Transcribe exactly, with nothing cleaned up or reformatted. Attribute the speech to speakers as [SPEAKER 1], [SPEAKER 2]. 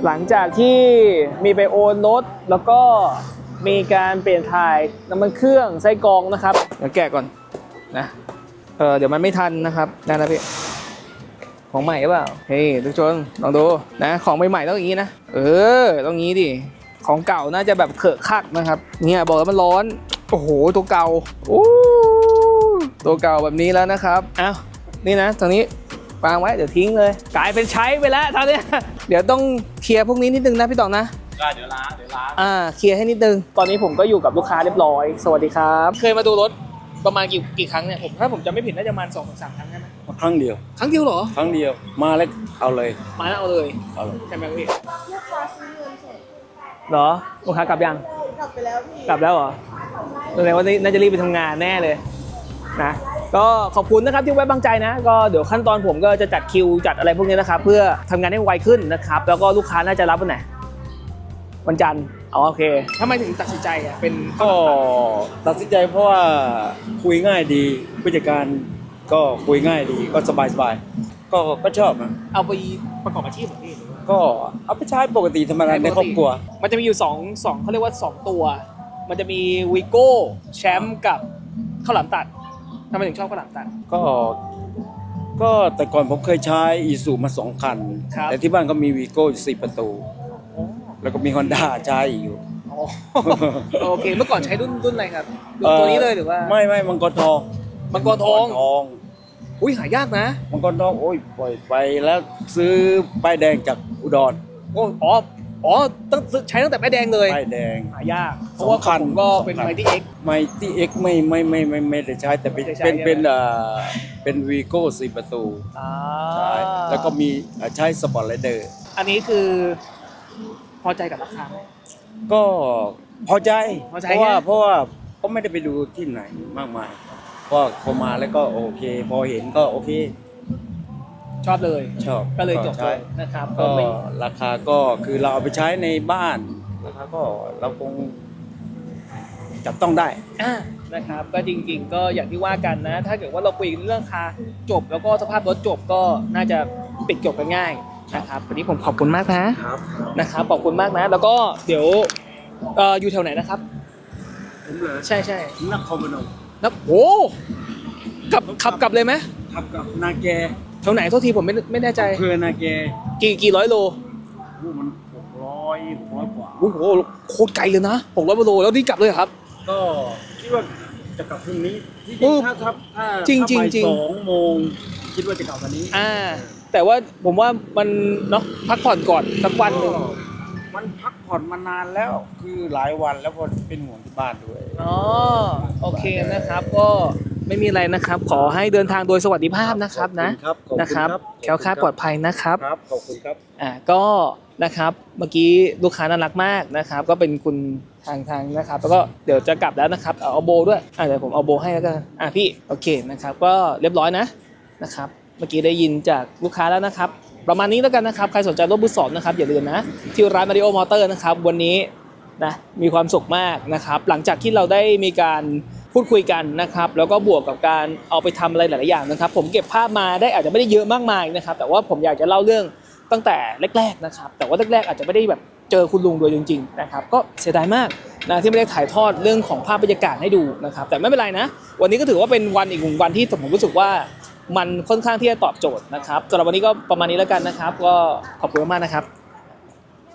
[SPEAKER 1] หลังจากที่มีไปโอนรถแล้วก็มีการเปลี่ยนถ่ายน้ำมันเครื่องไส้กรองนะครับเดี๋ยวแกะก่อนนะเออเดี๋ยวมันไม่ทันนะครับนั่นนะพี่ของใหม่หรือเปล่าเฮ้ยทุกคนลองดูนะของใหม่ๆต้องอย่างนี้นะเออต้องงี้ดิของเก่าน่าจะแบบเขอะคักนะครับเนี่ยบอกแล้วมันร้อนโอ้โหตัวเก่าโอ้ตัวเก่าแบบนี้แล้วนะครับอ้าวนี่นะตรงนี้วางไว้เดี๋ยวทิ้งเลยกลายเป็นใช้ไปแล้วตอนนี้เดี๋ยวต้องเคลียร์พวกนี้นิดนึงนะพี่ต่อนะ
[SPEAKER 2] เดี๋ยวล้างเดี๋ยวล้าง
[SPEAKER 1] อ่าเคลียร์ให้นิดนึงตอนนี้ผมก็อยู่กับลูกค้าเรียบร้อยสวัสดีครับเคยมาดูรถประมาณกี่กี่ครั้งเนี่ยผมถ้าผมจำไม่ผิดน่าจะประมาณสองถึงสามครั้งใช่ไหม
[SPEAKER 2] ครั้งเดียว
[SPEAKER 1] ครั้งเดียวเหรอ
[SPEAKER 2] ครั้งเดียวมาแล้วเอาเลย
[SPEAKER 1] มาแล้วเอาเลย
[SPEAKER 2] เอาเลย
[SPEAKER 1] ใช่ไหมพี่
[SPEAKER 3] ลูกค้าซื้อเงินสด
[SPEAKER 1] เหรอลูกค้ากลับยัง
[SPEAKER 3] กลับไปแล้วพี่
[SPEAKER 1] กลับแล้วเหรอแสดงว่าน่าจะรีบไปทำงานแน่เลยนะก็ขอบคุณนะครับที่ไว้วางใจนะก็เดี๋ยวขั้นตอนผมก็จะจัดคิวจัดอะไรพวกนี้นะครับเพื่อทำงานให้ไวขึ้นนะครับแล้วก็ลูกค้าน่าจะรับวันไหนวันจันทร์อ๋อโอเคทำไมถึงตัดสินใจอ่ะเป็น
[SPEAKER 2] ก็ตัดสินใจเพราะว่าคุยง่ายดีผู้จัดการก็คุยง่ายดีก็สบายสบายก็ก็ชอบนะ
[SPEAKER 1] เอาไปประกอบอาชีพของพี่
[SPEAKER 2] ก็เอาไปใช้ปกติธรรมดาในครอบครัว
[SPEAKER 1] มันจะมีอยู่สองสองเขาเรียกว่าสองตัวมันจะมีวีโก้แชมป์กับข้าวหลามตัดทำไมถึงชอบข้าวหลามตัด
[SPEAKER 2] ก็ก็แต่ก่อนผมเคยใช้อีซูมาสองคันแต่ที่บ้านก็มีวีโก้สี่ประตูแล้วก็มีฮอนด้าใช้อยู่
[SPEAKER 1] โอเคเมื่อก่อนใช้รุ่นรุ่นอะไรครับตัวนี้เลยหรือว่า
[SPEAKER 2] ไม่ไม่มังกรทอง
[SPEAKER 1] มังกรทองอุ้ยหายากนะ
[SPEAKER 2] มังกรทองโอ้ยปล่อยไปแล้วซื้อป้ายแดงจากอุดร
[SPEAKER 1] โอ้อ๋ออ๋อต้องใช้ตั้งแต่ป้ายแดงเลย
[SPEAKER 2] ป้ายแดง
[SPEAKER 1] หายากเพราะว่าคันก็เป็นไมตี้เอ็ก
[SPEAKER 2] ไมตี้เอ็กไม่ไม่ไม่ไม่ไม่ได้ใช้แต่เป็นเป็นเป็นเอ่อเป็นวีโก้สี่ประตูใช่แล้วก็มีใช้สปอร์ตไรเดอร์
[SPEAKER 1] อันนี้คือพอใจกับราคาไหม
[SPEAKER 2] ก็พอใจเพราะว่าเพราะว่าก็ไม่ได้ไปดูที่ไหนมากมายก็พอมาแล้วก็โอเคพอเห็นก็โอเค
[SPEAKER 1] ชอบเลย
[SPEAKER 2] ชอบ
[SPEAKER 1] ก็เลยจบเลยนะครับ
[SPEAKER 2] ก็ราคาก็คือเราเอาไปใช้ในบ้านราคาก็เราคงจับต้องได้
[SPEAKER 1] อ่านะครับก็จริงๆก็อย่างที่ว่ากันนะถ้าเกิดว่าเราคุยเรื่องราคาจบแล้วก็สภาพรถจบก็น่าจะปิดจบกันง่ายนะครับวันนี้ผมขอบคุณมากนะครับนะครับขอบคุณมากนะแล้วก็เดี๋ยวเอ่ออยู่แถวไหนนะครับ
[SPEAKER 2] ผมเหรอ
[SPEAKER 1] ใช่ใช่
[SPEAKER 2] นครพนม
[SPEAKER 1] นับโอ้กลับขับกลับเลยไหม
[SPEAKER 2] ขับกับนาแก
[SPEAKER 1] แถวไหนโทษทีผมไม่ไม่แน่ใจ
[SPEAKER 2] เพื่อนาแก
[SPEAKER 1] กี่กี่ร้อยโล
[SPEAKER 2] มันหกร้อยหกร้อยกว่า
[SPEAKER 1] โอ้โหโคตรไกลเลยนะหกร้อยโลแล้วนี่กลับเลยครับ
[SPEAKER 2] ก็คิดว่าจะกลับพรุ่งนี้ที่จริงถ้าถ้าถ้า
[SPEAKER 1] จริงจริงจริง
[SPEAKER 2] สองโมงคิดว่าจะกลับวันนี้
[SPEAKER 1] อ่าแต่ว่าผมว่ามันเนาะพักผ่อนก่อนสักวันหนึ่ง
[SPEAKER 2] มันพักผ่อนมานานแล้วคือหลายวันแล้วพอเป็นห่วงที่บ้านด้วย
[SPEAKER 1] อ๋อโอเคนะครับก็ไม่มีอะไรนะครับขอให้เดินทางโดยสวัสดิภาพนะครับนะนะครับแคล้วคลาดปลอดภัยนะครับ
[SPEAKER 2] ครับขอบคุณครับ
[SPEAKER 1] อ่าก็นะครับเมื่อกี้ลูกค้าน่ารักมากนะครับก็เป็นคุณทางทางนะครับแล้วก็เดี๋ยวจะกลับแล้วนะครับเอาโบด้วยอ่าเดี๋ยวผมเอาโบให้แล้วกันอ่าพี่โอเคนะครับก็เรียบร้อยนะนะครับเมื่อกี้ได้ยินจากลูกค้าแล้วนะครับประมาณนี้แล้วกันนะครับใครสนใจรถมือสองนะครับอย่าลืมนะที่ร้านมาริโอมอเตอร์นะครับวันนี้นะมีความสุขมากนะครับหลังจากที่เราได้มีการพูดคุยกันนะครับแล้วก็บวกกับการเอาไปทำอะไรหลายๆอย่างนะครับผมเก็บภาพมาได้อาจจะไม่ได้เยอะมากมายนะครับแต่ว่าผมอยากจะเล่าเรื่องตั้งแต่แรกๆนะครับแต่ว่าแรกๆอาจจะไม่ได้แบบเจอคุณลุงโดยจริงๆนะครับก็เสียดายมากนะที่ไม่ได้ถ่ายทอดเรื่องของภาพบรรยากาศให้ดูนะครับแต่ไม่เป็นไรนะวันนี้ก็ถือว่าเป็นวันอีกหนึ่งวันที่ผมรู้สึกว่ามันค่อนข้างที่จะตอบโจทย์นะครับสำหรับวันนี้ก็ประมาณนี้แล้วกันนะครับก็ขอบคุณมากๆนะครับ